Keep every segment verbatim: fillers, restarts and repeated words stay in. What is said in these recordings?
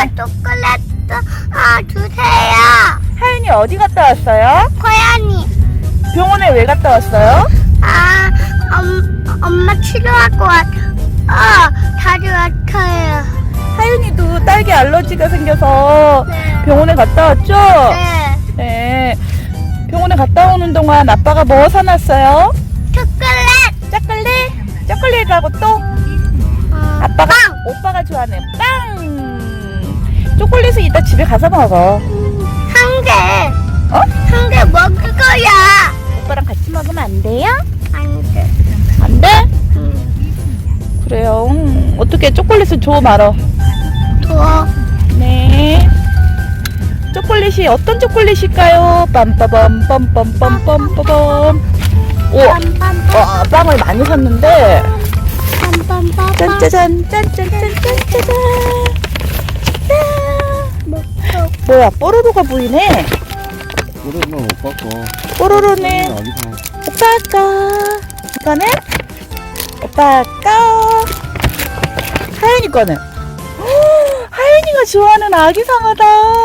초콜릿 아 주세요. 하윤이 어디 갔다 왔어요? 고양이. 병원에 왜 갔다 왔어요? 아 엄, 엄마 치료하고 왔. 아 다리 아파요. 하윤이도 딸기 알러지가 생겨서 네. 병원에 갔다 왔죠? 네. 네. 병원에 갔다 오는 동안 아빠가 뭐 사놨어요? 초콜릿. 초콜릿? 초콜릿하고 또? 어, 아빠가, 빵. 오빠가 좋아하는 빵! 초콜릿은 이따 집에 가서 먹어. 한 개. 어? 한 개 먹을 거야. 오빠랑 같이 먹으면 안 돼요? 안 돼. 안 돼? 응. 그래요. 음, 어떻게 초콜릿을 줘 말어. 더. 네. 초콜릿이 어떤 초콜릿일까요? 빰빠밤 빰빰빰빰빰빰. 오, 와, 빵을 많이 샀는데. 빰빰빰빰. 짠짜잔, 짠짠짠짠짜잔. 먹고. 뭐야, 뽀로로가 보이네. 오랜만 못 봤어. 뽀로로는 아기상. 오빠 거. 이거는 오빠 거. 하윤이 거는. 헉, 하윤이가 좋아하는 아기상어다.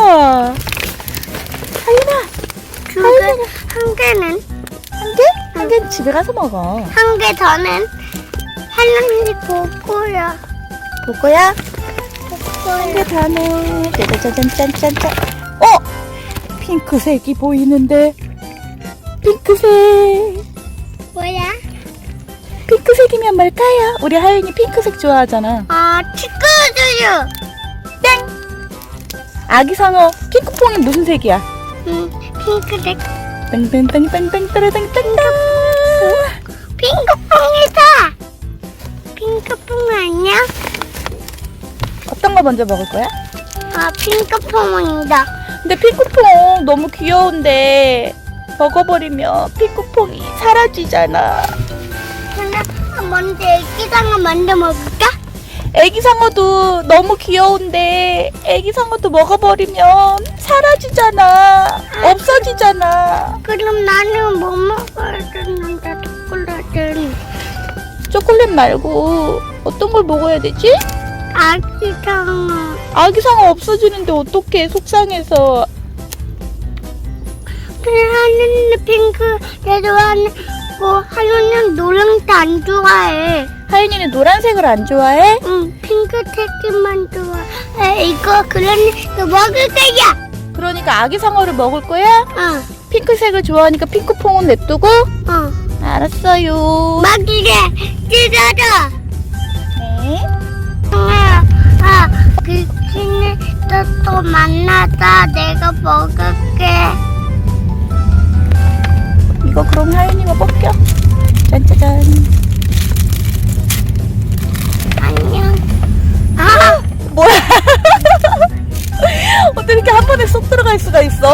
하윤아, 두 개. 한 개는. 한 개? 한 개는 집에 가서 먹어. 한 개 더는 할머니 고고야. 보고야? 한 고고야. 개 다네. 짜자잔짠짠짠. 어? 핑크색이 보이는데. 핑크색. 뭐야? 핑크색이면 뭘까요? 우리 하윤이 핑크색 좋아하잖아. 아, 치크우유. 땡! 아기상어 핑크퐁이 무슨 색이야? 응, 핑크색. 땡땡땡땡땡땡땡땡. 핑크퐁이다. 핑크퐁 아니야? 어떤 거 먼저 먹을 거야? 아, 핑크퐁이다. 근데 핑크퐁 너무 귀여운데 먹어버리면 핑크퐁이 사라지잖아. 근데 먼저 애기상어 먼저 먹을까? 애기상어도 너무 귀여운데 애기상어도 먹어버리면 사라지잖아. 없어지잖아. 그럼 나는 뭐 먹어야 되는데, 초콜릿은. 초콜릿 말고 어떤 걸 먹어야 되지? 아기상어. 아기상어 없어지는데 어떡해, 속상해서. 하루는 핑크, 내 좋아하는, 뭐, 하루는 노란색 안 좋아해. 하윤이는 노란색을 안 좋아해? 응, 핑크색만 좋아해. 이거, 그러니까 먹을 거야. 그러니까 아기상어를 먹을 거야? 어, 핑크색을 좋아하니까 핑크퐁은 냅두고? 어. 알았어요. 먹이래. 찢어져. 네. 아, 아, 귀신이 또, 또 만나자. 내가 먹을게. 이거 그럼 하윤이가 벗겨. 짠짜잔. 안녕. 아, 뭐야? 어떻게 이렇게 한 번에 쏙 들어갈 수가 있어?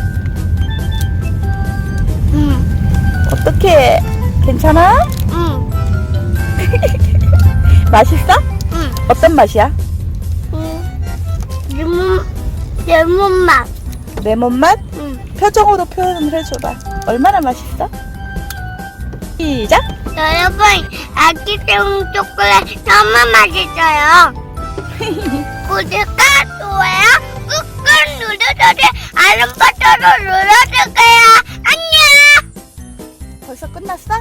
응, 어떻게? 괜찮아? 응, 맛있어? 응. 어떤 맛이야? 응. 레몬, 레몬 맛. 레몬 맛? 응. 표정으로 표현을 해줘봐. 얼마나 맛있어? 시작! 여러분, 아기새우 초콜릿 너무 맛있어요. 구독과 좋아요 꾹꾹 눌러주세요. 알람 버튼을 눌러주세요. 안녕. 벌써 끝났어?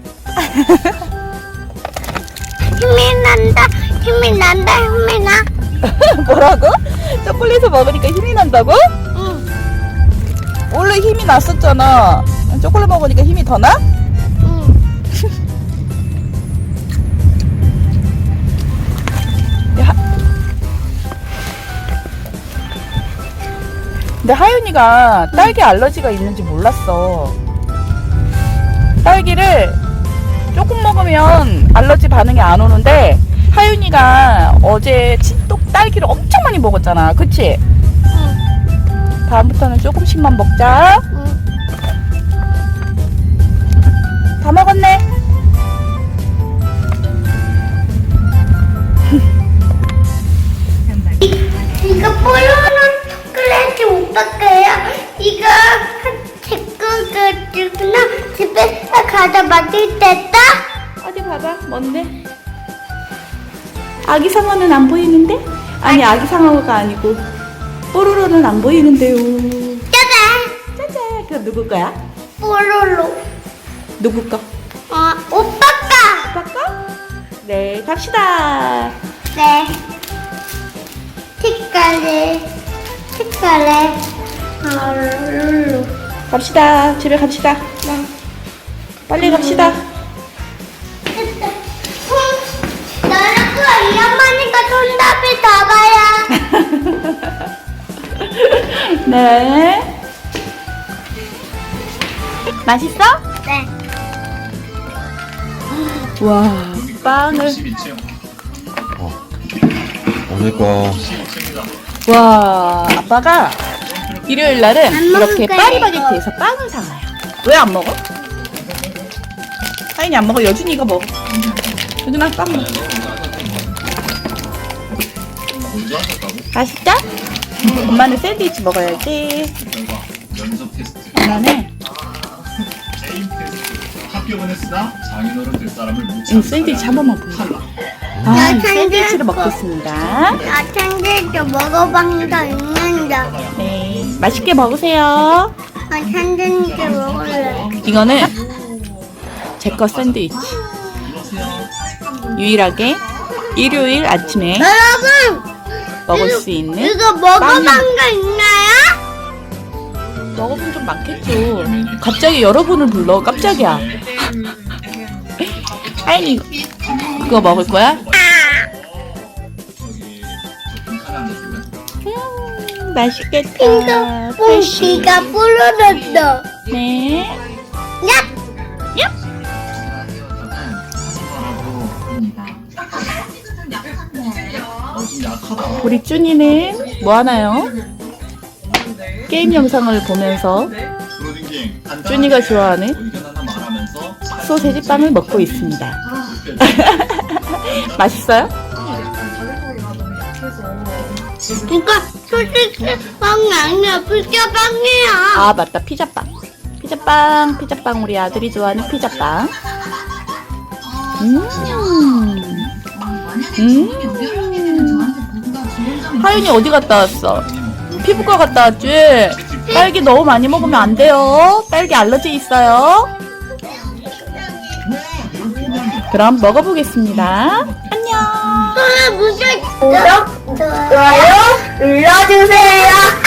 힘이 난다. 힘이 난다. 힘이 나. 뭐라고? 초콜릿을 먹으니까 힘이 난다고? 응. 원래 힘이 났었잖아. 초콜릿 먹으니까 힘이 더 나? 응. 하... 근데 하윤이가 딸기 알러지가 있는지 몰랐어. 딸기를 조금 먹으면 알러지 반응이 안 오는데 하윤이가 어제 찐떡 딸기를 엄청 많이 먹었잖아. 그치? 응. 다음부터는 조금씩만 먹자. 응. 다 먹었네. 이거 뽀로로 초콜릿이 어떡해요? 이거 제거 가지구나. 집에 가다 만들 때다. 어디 봐봐. 뭔데? 아기 상어는 안 보이는데? 아니 아기 상어가 아니고 뽀로로는 안 보이는데요. 짜잔. 짜잔. 그럼 누구 거야? 뽀로로. 누구 거? 어, 오빠가. 오빠 거? 네, 갑시다. 네. 색깔이, 색깔에, 아, 룰루. 갑시다. 집에 갑시다. 네. 빨리 갑시다. 됐다. 응. 너는 그 이어머니가 손잡이 잡아야. 네. 맛있어? 네. 와, 빵을. 오늘 거 와, 아빠가 일요일 날은 안 이렇게 먹을 거예요, 파리바게트에서 빵을 사와요. 왜 안 먹어? 하인이 안 먹어. 여준이가 먹어. 여준아, 빵 먹어. 맛있다? 엄마는 샌드위치 먹어야지. 엄마는 합격은 했으나 장인어른 될 사람을 못 음, 찾는 샌드위치 한 번만 보여. 아, 나 샌드위치를 샌드위치 먹겠습니다. 나 샌드위치 먹어본 적 있는데. 네, 맛있게 먹으세요. 나 샌드위치 먹을래. 이거는 제 거 샌드위치. 유일하게 일요일 아침에 여러분! 먹을 이거- 수 있는 이거 먹어본 빵이- 거 있나요? 먹어본 좀 많겠죠. 갑자기 여러분을 불러. 깜짝이야. 하인이 그거 먹을 거야? 음, 맛있겠다. 핑크 프레쉬. 뽕기가 부러졌어. 네. 야! 우리 쭈니는 뭐 하나요? 게임 영상을 보면서 쭈니가 좋아하는 소세지 빵을 먹고 있습니다. 맛있어요? 이거 솔직히 빵이 아니야. 피자빵이야. 아 맞다, 피자빵. 피자빵, 피자빵 우리 아들이 좋아하는 피자빵. 음, 음. 하윤이 어디 갔다 왔어? 피부과 갔다 왔지? 딸기 너무 많이 먹으면 안 돼요. 딸기 알러지 있어요. 그럼 먹어보겠습니다. 안녕. 또 무슨 구독, 좋아요 눌러주세요.